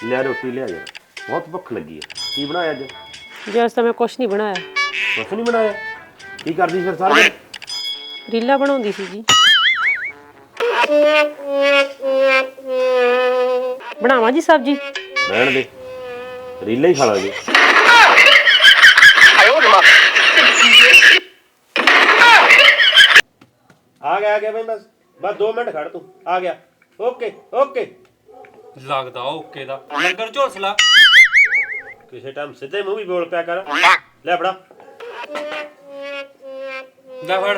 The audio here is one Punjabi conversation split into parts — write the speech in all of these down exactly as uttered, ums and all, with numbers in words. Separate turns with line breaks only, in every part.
ਲੈ ਰੋਟੀ ਲਿਆ ਯਾਰ, ਬਹੁਤ ਭੁੱਖ ਲੱਗੀ ਹੈ। ਕੀ ਬਣਾਇਆ ਅੱਜ?
ਜੀ ਅੱਜ ਤਾਂ ਮੈਂ ਕੁਛ ਨਹੀਂ ਬਣਾਇਆ।
ਕੁਛ ਨਹੀਂ ਬਣਾਇਆ? ਕੀ ਕਰਦੀ ਫਿਰ ਸਾਰਾ ਦਿਨ?
ਰੀਲਾ ਬਣਾਉਂਦੀ ਸੀ ਜੀ। ਬਣਾਵਾਂ ਜੀ ਸਬਜ਼ੀ?
ਰਹਿਣ ਦੇ, ਰੀਲਾ ਹੀ ਖਾ ਲਾਂਗੇ। ਆ ਗਿਆ ਆ ਗਿਆ ਬਈ, ਬਸ ਬਸ ਦੋ ਮਿੰਟ ਖੜ, ਤੂੰ ਆ ਗਿਆ। Okay okay.
ਲੱਗਦਾ ਓਕੇ ਦਾ ਲੰਗਰ ਝੋਸਲਾ।
ਕਿਸੇ ਟਾਈਮ ਸਿੱਧੇ ਮੂੰਹ ਵੀ ਬੋਲ ਪਿਆ ਕਰ। ਲੈ ਫੜਾ।
ਲੈ ਫੜ।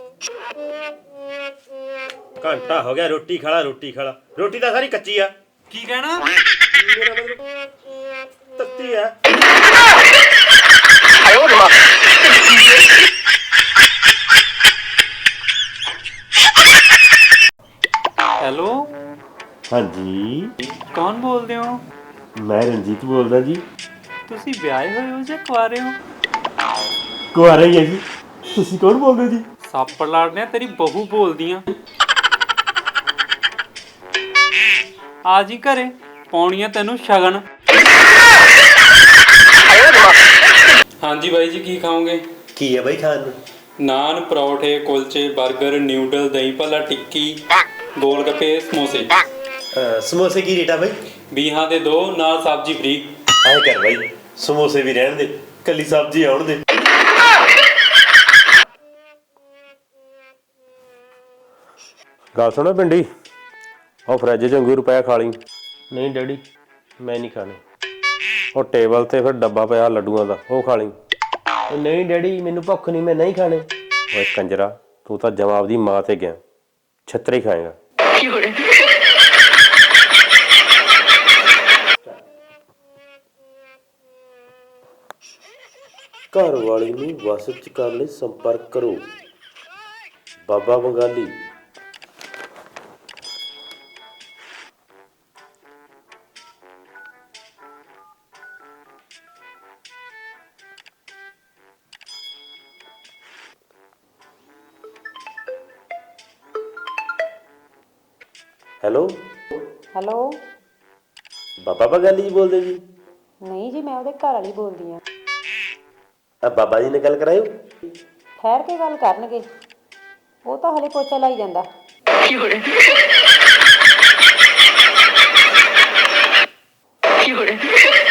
ਘੰਟਾ ਹੋ ਗਿਆ, ਰੋਟੀ ਖਾ ਲਾ ਰੋਟੀ ਖਾ ਲਾ। ਰੋਟੀ ਤਾਂ ਸਾਰੀ ਕੱਚੀ ਆ।
ਕੀ ਕਹਿਣਾ?
ਮੇਰਾ ਮਤਲਬ ਤੱਤੀ ਆ।
ਹੈਲੋ,
ਹਾਂਜੀ,
ਕੌਣ ਬੋਲਦੇ ਹੋ?
ਮੈਂ ਰਣਜੀਤ ਬੋਲਦਾ ਜੀ।
ਤੁਸੀਂ ਵਿਆਹੇ ਹੋਏ ਹੋ ਜਾਂ ਕੁਆਰੇ ਹੋ?
ਕੁਆਰਾ ਹੀ ਹੈ ਜੀ। ਤੁਸੀਂ ਕੌਣ ਬੋਲਦੇ ਜੀ?
ਸੱਪ ਲੜਨੇ ਤੇਰੀ ਬਹੂ ਬੋਲਦੀਆਂ। ਆ ਜੀ ਘਰੇ, ਪਾਉਣੀਆਂ ਤੈਨੂੰ ਸ਼ਗਨ। ਹਾਂਜੀ ਬਾਈ ਜੀ, ਕੀ ਖਾਓਗੇ?
ਕੀ ਹੈ ਬਾਈ ਖਾਣ ਨੂੰ?
ਨਾਨ, ਪਰੌਠੇ, ਕੁਲਚੇ, 버ਗਰ, ਨਿਊਡਲ, ਦਹੀਂ ਭੱਲਾ, ਟਿੱਕੀ, ਗੋਲ ਗੱਪੇ, ਸਮੋਸੇ।
ਸਮੋਸੇ ਕੀ ਰੇਟ ਆ ਬਾਈ?
ਵੀਹਾਂ ਦੇ ਦੋ, ਨਾਲ ਸਬਜ਼ੀ ਫ੍ਰੀ।
ਆਏ ਕਰ ਬਾਈ, ਸਮੋਸੇ ਵੀ ਰਹਿਣ ਦੇ, ਕੱਲੀ ਸਬਜ਼ੀ ਆਉਣ ਦੇ। ਗੱਲ ਸੁਣੋ ਪਿੰਡੀ, ਉਹ ਫਰਿੱਜ 'ਚ ਅੰਗੂਰ ਪਿਆ, ਖਾ ਲਈ। ਨਹੀਂ ਡੈਡੀ, ਮੈਂ ਨਹੀਂ ਖਾਣੇ। ਉਹ ਟੇਬਲ 'ਤੇ ਫਿਰ ਡੱਬਾ ਪਿਆ ਲੱਡੂਆਂ ਦਾ, ਉਹ ਖਾ ਲਈ। ਨਹੀਂ ਡੈਡੀ, ਮੈਨੂੰ ਭੁੱਖ ਨਹੀਂ, ਮੈਂ ਨਹੀਂ ਖਾਣੇ। ਓਏ ਕੰਜਰਾ, ਤੂੰ ਤਾਂ ਜਵਾਬ ਦੀ ਮਾਂ 'ਤੇ ਗਿਆ, ਛੱਤਰੀ ਖਾਏਗਾ। ਘਰ ਵਾਲੀ ਨੂੰ ਵਸ 'ਚ ਕਰਨ ਲਈ ਸੰਪਰਕ ਕਰੋ ਬਾਬਾ ਬੰਗਾਲੀ। Hello
hello.
ਬਾਬਾ ਬੰਗਾਲੀ ਜੀ ਬੋਲਦੇ ਜੀ?
ਨਹੀਂ ਜੀ, ਮੈਂ ਉਹਦੇ ਘਰ ਵਾਲੀ ਬੋਲਦੀ ਹਾਂ।
ਆ ਬਾਬਾ ਜੀ ਨੇ ਗੱਲ ਕਰਾਇਓ।
ਠਹਿਰ ਕੇ ਗੱਲ ਕਰਨਗੇ, ਉਹ ਤਾਂ ਹਲੇ ਪੋਚਾ ਲਾਈ ਜਾਂਦਾ।
ਕੀ ਹੋ ਰਿਹਾ?